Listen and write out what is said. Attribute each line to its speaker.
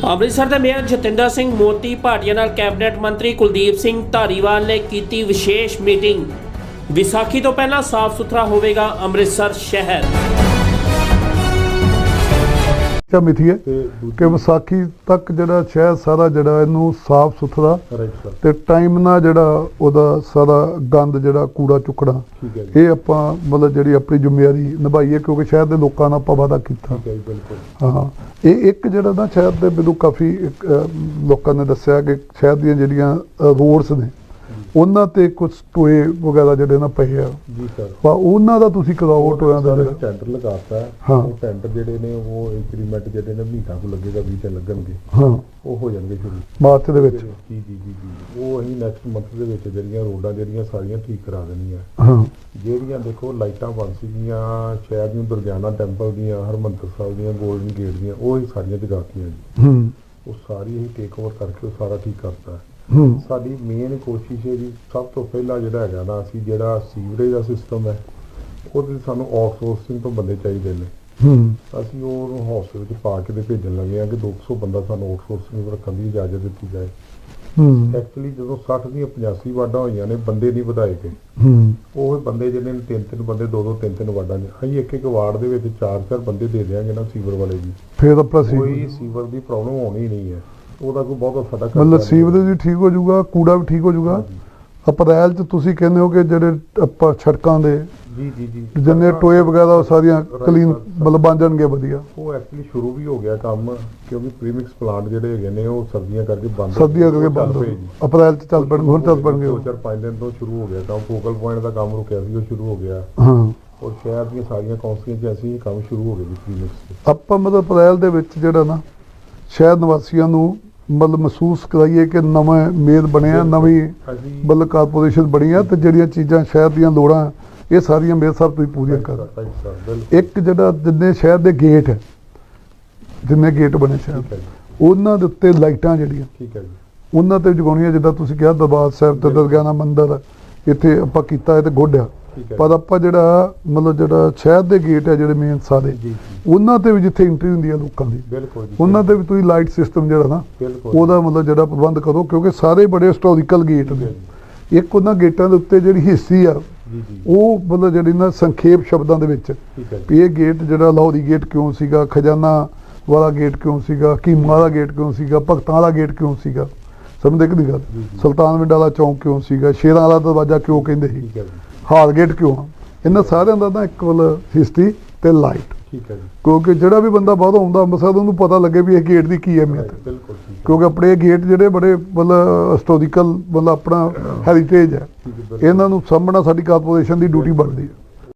Speaker 1: ਅੰਮ੍ਰਿਤਸਰ ਦੇ ਮੇਅਰ ਜਤਿੰਦਰ ਸਿੰਘ ਮੋਤੀ ਭਾਟੀਆ ਨਾਲ ਕੈਬਨਿਟ ਮੰਤਰੀ ਕੁਲਦੀਪ ਸਿੰਘ ਧਾਰੀਵਾਲ ਨੇ ਕੀਤੀ ਵਿਸ਼ੇਸ਼ ਮੀਟਿੰਗ। ਵਿਸਾਖੀ ਤੋਂ ਪਹਿਲਾਂ ਸਾਫ਼ ਸੁਥਰਾ ਹੋਵੇਗਾ ਅੰਮ੍ਰਿਤਸਰ ਸ਼ਹਿਰ।
Speaker 2: ਮਿੱਥੀ ਹੈ ਕਿ ਵਿਸਾਖੀ ਤੱਕ ਜਿਹੜਾ ਸ਼ਹਿਰ ਸਾਰਾ ਜਿਹੜਾ ਇਹਨੂੰ ਸਾਫ਼ ਸੁਥਰਾ ਤੇ ਟਾਈਮ ਨਾਲ ਜਿਹੜਾ ਉਹਦਾ ਸਾਰਾ ਗੰਦ ਜਿਹੜਾ ਕੂੜਾ ਚੁੱਕਣਾ ਇਹ ਆਪਾਂ ਮਤਲਬ ਜਿਹੜੀ ਆਪਣੀ ਜ਼ਿੰਮੇਵਾਰੀ ਨਿਭਾਈਏ, ਕਿਉਂਕਿ ਸ਼ਹਿਰ ਦੇ ਲੋਕਾਂ ਨਾਲ ਆਪਾਂ ਵਾਅਦਾ ਕੀਤਾ। ਹਾਂ, ਇਹ ਇੱਕ ਜਿਹੜਾ ਨਾ ਸ਼ਹਿਰ ਦੇ ਮੈਨੂੰ ਕਾਫੀ ਲੋਕਾਂ ਨੇ ਦੱਸਿਆ ਕਿ ਸ਼ਹਿਰ ਦੀਆਂ ਜਿਹੜੀਆਂ ਰੋਡਸ ਨੇ ਉਹਨਾਂ ਤੇ ਕੁਝ ਟੋਏ ਵਗੈਰਾ ਜਿਹੜੇ ਨਾ ਪਏ ਆ ਜੀ ਸਰ, ਉਹਨਾਂ ਦਾ ਤੁਸੀਂ ਕਰਾਓ ਟੋਇਆਂ ਦਾ
Speaker 3: ਟੈਂਡਰ ਲਗਾਤਾ। ਉਹ ਟੈਂਡਰ ਜਿਹੜੇ ਨੇ ਉਹ ਇੰਕਰੀਮੈਂਟ ਜਿਹੜੇ ਨੇ ਮਹੀਨਾ ਕੋ ਲੱਗੇਗਾ, 20 ਤੇ ਲੱਗਣਗੇ। ਹਾਂ, ਉਹ ਹੋ ਜਾਣਗੇ ਸ਼ੁਰੂ
Speaker 2: ਮਾਰਚ ਦੇ ਵਿੱਚ।
Speaker 3: ਜੀ ਜੀ ਜੀ ਜੀ, ਉਹ ਅਸੀਂ ਨੈਕਸਟ ਮੰਥ ਦੇ ਵਿੱਚ ਜਿਹੜੀਆਂ ਰੋਡਾਂ ਜਿਹੜੀਆਂ ਸਾਰੀਆਂ ਠੀਕ ਕਰਾ ਦੇਣੀਆਂ।
Speaker 2: ਹਾਂ,
Speaker 3: ਜਿਹੜੀਆਂ ਦੇਖੋ ਲਾਈਟਾਂ ਬੰਦ ਸੀਗੀਆਂ ਸ਼ਹਿਰ ਦੀਆਂ, ਦੁਰਗਿਆਨਾ ਟੈਂਪਲ ਦੀਆਂ, ਹਰਮੰਦਰ ਸਾਹਿਬ ਦੀਆਂ, ਗੋਲਡਨ ਗੇਟ ਦੀਆਂ, ਉਹ ਹੀ ਸਾਰੀਆਂ ਜਗਾਤੀਆਂ ਜੀ। ਉਹ ਸਾਰੀ ਅਸੀਂ ਟੇਕ ਓਵਰ ਕਰਕੇ ਉਹ ਸਾਰਾ ਠੀਕ ਕਰਤਾ। ਸਾਡੀ ਮੇਨ ਕੋਸ਼ਿਸ਼ ਹੈ ਜੀ, ਸਭ ਤੋਂ ਪਹਿਲਾਂ ਜਿਹੜਾ ਹੈਗਾ ਨਾ, ਅਸੀਂ ਜਿਹੜਾ ਸੀਵਰੇਜ ਦਾ ਸਿਸਟਮ ਹੈ ਉਹਦੇ ਸਾਨੂੰ ਆਊਟਸੋਰਸਿੰਗ ਤੋਂ ਬੰਦੇ ਚਾਹੀਦੇ ਨੇ। ਅਸੀਂ ਉਹਨੂੰ ਹੌਸਪੀਟਲ ਵਿੱਚ ਪਾ ਕੇ ਭੇਜਣ ਲੱਗੇ ਹਾਂ ਕਿ 200 ਬੰਦਾ ਸਾਨੂੰ ਆਊਟਸੋਰਸਿੰਗ ਰੱਖਣ ਦੀ ਇਜਾਜ਼ਤ ਦਿੱਤੀ ਜਾਏ। ਐਕਚੁਅਲੀ ਜਦੋਂ 60 ਦੀਆਂ 85 ਵਾਰਡਾਂ ਹੋਈਆਂ ਨੇ, ਬੰਦੇ ਨਹੀਂ ਵਧਾਏ ਗਏ। ਉਹ ਬੰਦੇ ਜਿਹੜੇ ਨੇ 3-3 ਬੰਦੇ 2-2 3-3 ਵਾਰਡਾਂ ਨੇ, ਅਸੀਂ ਇੱਕ ਵਾਰਡ ਦੇ ਵਿੱਚ 4-4 ਬੰਦੇ ਦੇ ਦਿਆਂਗੇ ਨਾ ਸੀਵਰ ਵਾਲੇ ਜੀ।
Speaker 2: ਫਿਰ ਆਪਣਾ
Speaker 3: ਕੋਈ ਸੀਵਰ ਦੀ ਪ੍ਰੋਬਲਮ ਹੋਣੀ ਨਹੀਂ ਹੈ, ਉਹਦਾ ਕੋਈ ਬਹੁਤ ਸਾਡਾ
Speaker 2: ਮਤਲਬ ਸੀਵਰੇਜ ਵੀ ਠੀਕ ਹੋ ਜਾਊਗਾ, ਕੂੜਾ ਵੀ ਠੀਕ ਹੋ ਜਾਊਗਾ। ਅਪ੍ਰੈਲ 'ਚ ਤੁਸੀਂ ਕਹਿੰਦੇ ਹੋ ਕਿ ਜਿਹੜੇ ਆਪਾਂ ਸੜਕਾਂ ਦੇ
Speaker 3: ਜੀ ਜੀ ਜੀ
Speaker 2: ਜਿੰਨੇ ਟੋਏ ਵਗੈਰਾ ਉਹ ਸਾਰੀਆਂ ਕਲੀਨ ਮਤਲਬ ਬਣ ਜਾਣਗੇ ਵਧੀਆ।
Speaker 3: ਉਹ ਐਕਚੁਅਲੀ ਸ਼ੁਰੂ ਵੀ ਹੋ ਗਿਆ ਕੰਮ, ਕਿਉਂਕਿ ਪ੍ਰੀਮਿਕਸ ਪਲਾਂਟ ਜਿਹੜੇ ਹੈਗੇ ਨੇ ਉਹ ਸਰਦੀਆਂ ਕਰਕੇ ਬੰਦ
Speaker 2: ਹੋ ਗਏ। ਅਪ੍ਰੈਲ 'ਚ ਚੱਲ ਪੈਣਗੇ, ਹੁਣ ਚੱਲ ਪੈਣਗੇ।
Speaker 3: 4-5 ਦਿਨ ਤੋਂ ਸ਼ੁਰੂ ਹੋ ਗਿਆ ਕੰਮ। ਫੋਕਲ ਪੁਆਇੰਟ ਦਾ ਕੰਮ ਰੁਕਿਆ ਸੀ, ਉਹ ਸ਼ੁਰੂ ਹੋ ਗਿਆ।
Speaker 2: ਹਾਂ,
Speaker 3: ਔਰ ਸ਼ਹਿਰ ਦੀਆਂ ਸਾਰੀਆਂ ਕੌਂਸਲਾਂ 'ਚ ਅਸੀਂ ਕੰਮ ਸ਼ੁਰੂ ਹੋ ਗਏ ਜੀ ਪ੍ਰੀਮਿਕਸ।
Speaker 2: ਆਪਾਂ ਮਤਲਬ ਅਪ੍ਰੈਲ ਦੇ ਵਿੱਚ ਜਿਹੜਾ ਨਾ ਸ਼ਹਿਰ ਨਿਵਾਸੀਆਂ ਨੂੰ ਮਤਲਬ ਮਹਿਸੂਸ ਕਰਾਈਏ ਕਿ ਨਵਾਂ ਮੇਅਰ ਬਣਿਆ, ਨਵੀਂ ਮਤਲਬ ਕਾਰਪੋਰੇਸ਼ਨ ਬਣੀ ਆ, ਤੇ ਜਿਹੜੀਆਂ ਚੀਜ਼ਾਂ ਸ਼ਹਿਰ ਦੀਆਂ ਲੋੜਾਂ ਇਹ ਸਾਰੀਆਂ ਮੇਅਰ ਸਾਹਿਬ ਤੁਸੀਂ ਪੂਰੀਆਂ ਕਰ। ਇੱਕ ਜਿਹੜਾ ਜਿੰਨੇ ਸ਼ਹਿਰ ਦੇ ਗੇਟ ਹੈ, ਜਿੰਨੇ ਗੇਟ ਬਣੇ ਸ਼ਹਿਰ, ਉਹਨਾਂ ਦੇ ਉੱਤੇ ਲਾਈਟਾਂ ਜਿਹੜੀਆਂ ਉਹਨਾਂ ਤੇ ਜਗਾਉਣੀਆਂ। ਜਿੱਦਾਂ ਤੁਸੀਂ ਕਿਹਾ ਦਰਬਾਰ ਸਾਹਿਬ ਤੇ ਦੁਰਗਿਆਨਾ ਮੰਦਿਰ ਇੱਥੇ ਆਪਾਂ ਕੀਤਾ ਹੈ ਤੇ ਗੋਡਿਆ, ਪਰ ਆਪਾਂ ਜਿਹੜਾ ਮਤਲਬ ਜਿਹੜਾ ਸ਼ਹਿਰ ਦੇ ਗੇਟ ਹੈ ਜਿਹੜੇ ਮੇਨ ਸਾਰੇ, ਉਹਨਾਂ ਤੇ ਵੀ ਜਿੱਥੇ ਐਂਟਰੀ ਹੁੰਦੀ ਹੈ ਲੋਕਾਂ ਦੀ, ਉਹਨਾਂ ਤੇ ਵੀ ਤੁਸੀਂ ਲਾਈਟ ਸਿਸਟਮ ਜਿਹੜਾ ਨਾ ਉਹਦਾ ਮਤਲਬ ਜਿਹੜਾ ਪ੍ਰਬੰਧ ਕਰੋ, ਕਿਉਂਕਿ ਸਾਰੇ ਬੜੇ ਹਿਸਟੋਰੀਕਲ ਗੇਟ ਨੇ। ਇੱਕ ਉਹਨਾਂ ਗੇਟਾਂ ਦੇ ਉੱਤੇ ਜਿਹੜੀ ਹਿਸਟਰੀ ਆ ਉਹ ਮਤਲਬ ਜਿਹੜੀ ਨਾ ਸੰਖੇਪ ਸ਼ਬਦਾਂ ਦੇ ਵਿੱਚ ਵੀ ਇਹ ਗੇਟ ਜਿਹੜਾ ਲਾਹੌਰੀ ਗੇਟ ਕਿਉਂ ਸੀਗਾ, ਖਜ਼ਾਨਾ ਵਾਲਾ ਗੇਟ ਕਿਉਂ ਸੀਗਾ, ਕੀਮਾ ਵਾਲਾ ਗੇਟ ਕਿਉਂ ਸੀਗਾ, ਭਗਤਾਂ ਵਾਲਾ ਗੇਟ ਕਿਉਂ ਸੀਗਾ, ਸਮਝਦੇ ਕਿ ਨਹੀਂ ਗੱਲ, ਸੁਲਤਾਨਵਿੰਡ ਵਾਲਾ ਚੌਂਕ ਕਿਉਂ ਸੀਗਾ, ਸ਼ੇਰਾਂ ਵਾਲਾ ਦਰਵਾਜ਼ਾ ਕਿਉਂ ਕਹਿੰਦੇ ਸੀ, ਹਾਲ ਗੇਟ ਕਿਉਂ ਆ। ਇਹਨਾਂ ਸਾਰਿਆਂ ਦਾ ਨਾ ਇੱਕ ਮਤਲਬ ਹਿਸਟਰੀ ਤੇ ਲਾਈਟ, ਕਿਉਂਕਿ ਜਿਹੜਾ ਵੀ ਬੰਦਾ ਬਾਹਰੋਂ ਆਉਂਦਾ ਅੰਮ੍ਰਿਤਸਰ ਉਹਨੂੰ ਪਤਾ ਲੱਗੇ ਵੀ ਇਹ ਗੇਟ ਦੀ ਕੀ ਅਹਿਮੀਅਤ ਹੈ। ਕਿਉਂਕਿ ਆਪਣੇ ਗੇਟ ਜਿਹੜੇ ਬੜੇ ਮਤਲਬ ਹਿਸਟੋਰੀਕਲ ਮਤਲਬ ਆਪਣਾ ਹੈਰੀਟੇਜ ਹੈ, ਇਹਨਾਂ ਨੂੰ ਸਾਂਭਣਾ ਸਾਡੀ ਕਾਰਪੋਰੇਸ਼ਨ ਦੀ ਡਿਊਟੀ ਬਣਦੀ ਹੈ।